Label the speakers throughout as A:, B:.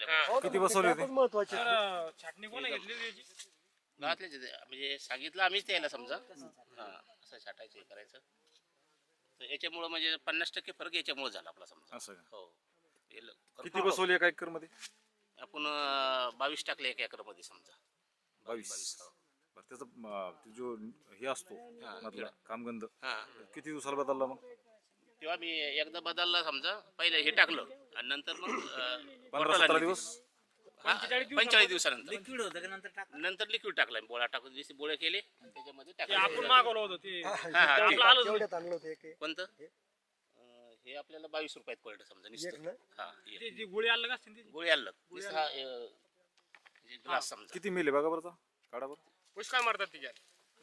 A: लावल्या
B: किती बसवले होते?
C: महत्वाचे
D: छाटणी कोण घेतलेली याची?
A: गावातले म्हणजे सांगितलं आम्हीच त्याला समजा हा असं छाटायचं हे करायचं तर याच्यामुळं म्हणजे 50% फरक याच्यामुळे झाला आपला समजा
B: असं का?
A: हो
B: किती बसवले एका एकर मध्ये?
A: आपण 22 टाकले 1 एकर मध्ये समजा
B: 22. बरं त्याचा ते जो हे असतो मधला कामगंध
A: हा
B: किती दिवसाला बदलला मग?
A: तेव्हा मी एकदा बदलला समजा पहिले हे टाकलं आणि नंतर मग
B: 15-17 दिवस.
A: 45 दिवसानंतर
E: लिक्विड होतं का नंतर टाक
A: नंतर लिक्विड टाकलं बोळा टाकून जसे बोळे केले त्याच्यामध्ये
D: ते
A: टाकलं
D: आपण मागवलं होतं ते
A: ते-
D: आलंच
C: तेवढ्यात आणलं होतं एक
A: कोणतं हे आपल्याला 22 रुपयात पडलं समजा
C: एक
A: नुसतं
C: ना
A: हा एक.
D: ते जी गोळी आलं का असते ती
A: गोळी आलं नुसतं हा म्हणजे ग्लास समजा
B: किती मिले बघा बरं काढा बरं.
D: पुष्कळ मारतात तिच्यात.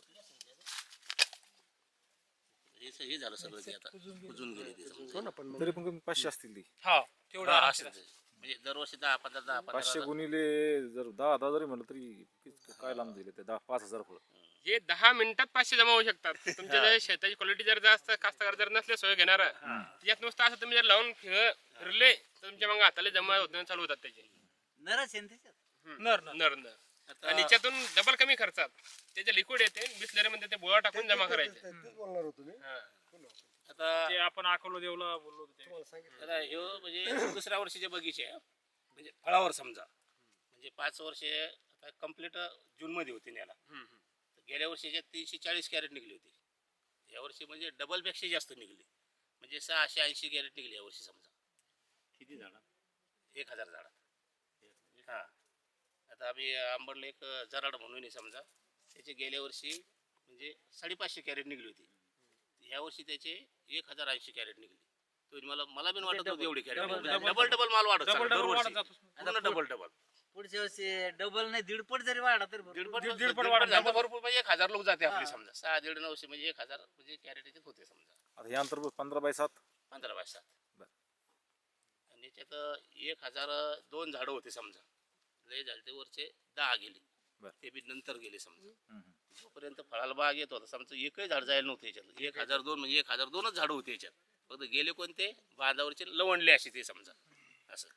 A: हे झालं सगळं ते आता कुजून गेले ते समजा.
C: हो ना पण मग
B: तरी पण कमी 500 असतील ती.
D: हा तेवढं
A: हा,
D: आरामशीर
A: असं म्हणजे दरवर्षी 10-15
B: 500 गुणिले जर 10,000 जरी म्हणलं तरी काय लांब दिले ते 10-5,000 फळ.
D: हे 10 मिनिटात 500 जमा होऊ शकतात. तुमच्या जर शेताची क्वालिटी जर जास्त कास्तकार जर नसले सोय घेणार त्याच्यात नुसतं असं तुम्ही जर लावून फिरले तर तुमच्या मग हाताला जमा होत चालू होतात त्याचे
E: नरच आहे ना त्याच्यात
D: नर नर आणि याच्यातून डबल कमी खर्चात त्याचे लिक्विड येते बिस्लरी मध्ये ते बोळा टाकून जमा करायचे.
C: तेच बोलणार होतो मी
D: हा.
A: आता
D: ते आपण अकोला देवला बोललो होतो ते.
C: तुम्हाला सांगितलं
A: आता ह्यो म्हणजे दुसऱ्या वर्षीचे बगीचे आहे. म्हणजे फळावर समजा म्हणजे 5 वर्षे आता कम्प्लीट जून मध्ये होती न्याला गेल्या वर्षीचे 340 कॅरेट निघली होती या वर्षी म्हणजे डबल पेक्षा जास्त निघली म्हणजे 680 कॅरेट निघली या वर्षी समजा
E: किती झाडा
A: 1000 झाडात हा आता आम्ही आंबडला एक जराड म्हणून आहे समजा त्याचे गेल्या वर्षी म्हणजे 550 कॅरेट निघली होती ह्या वर्षी त्याचे 1080 कॅरेट निघली तो मला बी वाटत नव्हतं एवढी कॅरेट डबल माल वाढत
D: डबल
A: चालला
D: वाढत
A: दरवर्षी.
D: जातो.
A: पूर्ण डबल
E: पुढच्या वर्षी डबल नाही दीडपट जरी वाढा तर
A: दीडपट वाढत झालं भरपूर म्हणजे 1000 लोक जाते आपली समजा 6-900 म्हणजे 1000 म्हणजे कॅरेट याच्यात होते समजा
B: आता हे अंतर 15/7.
A: 15/7
B: बरं.
A: आणि याच्यात 1002 झाडं होते समजा लय झाले ते वरचे 10 गेले
B: बरं.
A: ते बी नंतर गेले समजा
B: हम्म.
A: जोपर्यंत फळाला बाग येत होता समजा एकही झाड जायला नव्हतं याच्यात 1002 म्हणजे 1002च झाडं होते याच्यात फक्त गेले कोणते बांधावरचे लवणले असे ते समजा असं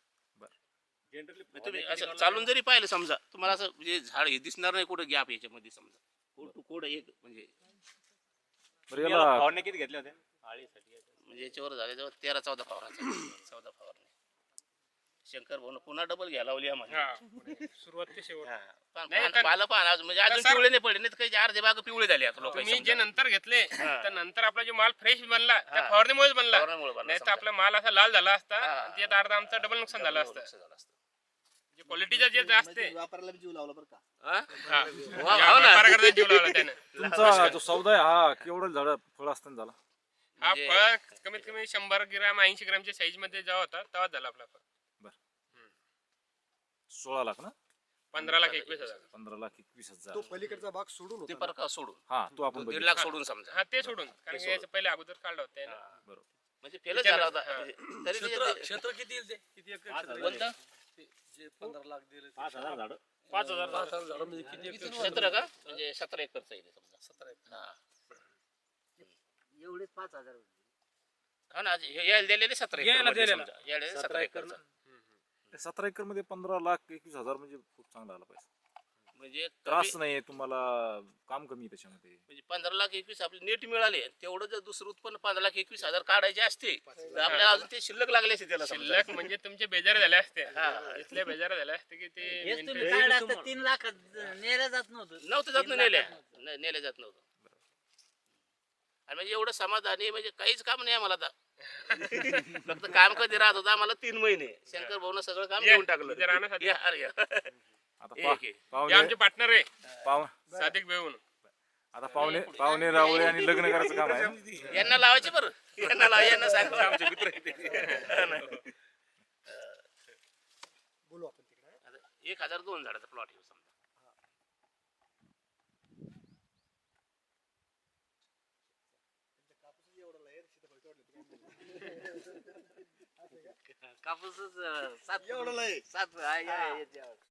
A: मग तुम्ही असं चालून जरी पाहिलं समजा तुम्हाला असं म्हणजे झाड हे दिसणार नाही कुठं गॅप याच्यामध्ये समजा कोड टू कोड एक म्हणजे
B: बरं याला
D: फवारण्या किती घेतल्या होत्या आळीसाठी?
A: म्हणजे याच्यावर झाले जवळ 13-14 फवाराचा 14 फवारणी शंकर भाऊ पुन्हा डबल घ्यायला लावली आम्हाला
D: हा सुरुवात ते शेवट.
A: हा.
D: नाही,
A: पान-
D: तर-
A: पालं पान अजून म्हणजे अजून
D: सर-
A: पिवळे नाही पडले नाही तर काही अर्धे बाग पिवळे झाले आता लोक
D: तुम्ही जे नंतर घेतले तर नंतर आपला जो माल फ्रेश बनला त्या फवारणीमुळेच बनला नाही तर आपला माल असा लाल झाला असता आणि त्यात अर्धा आमचा डबल नुकसान झालं असतं. जे क्वालिटीचा जे असते
E: वापरायला जीव लावला बरं का
D: हा.
A: हो ना.
D: व्यापाराकडे जीव लावला त्यानं.
B: तुमचा जो सौदा आहे हा केवढं झाड फळ असताना झाला?
D: हा फळ कमीत कमी 100 ग्रॅम 80 ग्रॅमच्या साईज मध्ये जेव्हा होता तेव्हा झाला आपला फळ.
B: 16 लाख ना?
D: 15,21,000.
B: 15,21,000.
C: तो पलीकडचा भाग सोडून
A: ते
C: होता
A: परका सोडून
B: हा तो आपण
A: 1.5
B: बघितला.
A: लाख सोडून समजा
D: हा ते सोडून कारण की याचं पहिले अगोदर काढलं होतं त्यानं.
B: बरोबर.
A: म्हणजे फेलच झाला होता
D: हा.
A: म्हणजे तरी ते-
E: क्षेत्र किती येईल ते किती एकर क्षेत्र
A: कोणतं?
E: जे 15 लाख दिले
D: 5,000
E: झाडं म्हणजे किती एकर
A: 17 का म्हणजे 17 एकरचं आहे ते समजा
E: 17 एकर
A: हा.
E: एवढेच 5,000
A: हा ना हे यायला दिलेले 17
D: यायला
A: एकर
D: दिलेलं.
A: समजा यायला 17 एकरचं
B: 17 एकर मध्ये 15,21,000 म्हणजे खूप चांगला आला पैसा.
A: म्हणजे
B: त्रास नाही तुम्हाला काम कमी आहे त्याच्यामध्ये.
A: म्हणजे 15,21,000 आपले नेट मिळाले तेवढं जर दुसरं उत्पन्न 15,21,000 काढायचे असते तर आपल्याला अजून ते शिल्लक लागले असते त्याला समजा.
D: शिल्लक म्हणजे तुमचे बेजार झाले असते
A: हा.
D: इथले बेजार झाले असते की ते
E: हेच तुम्ही काढलं असतं 3 लाख नेलं जात नव्हतं
A: नव्हतं जात नेल्या जात नव्हतं आणि म्हणजे एवढं समाधानी म्हणजे काहीच काम नाही आम्हाला आता फक्त काम कधी राहत होतं आम्हाला 3 महिने शंकर भाऊनं सगळं काम
D: ये,
A: घेऊन टाकलं
D: इथे राहण्यासाठी.
A: या, अरे या.
B: आता
A: एक आहे.
D: हे
B: पाहुणे
D: आमचे पार्टनर आहे
B: पाहु-
D: सादिक बेहून.
B: आता पाहुणे रावळे आणि लग्न करायचं काम आहे.
A: यांना लावायचे बरं यांना सांगतो आमचे मित्र आहेत ते.
C: बोलू आपण तिकडे
A: आता 1002 झाडाचा प्लॉट आहे समजा
E: कापूसच 7
C: एवढं लय.
E: 7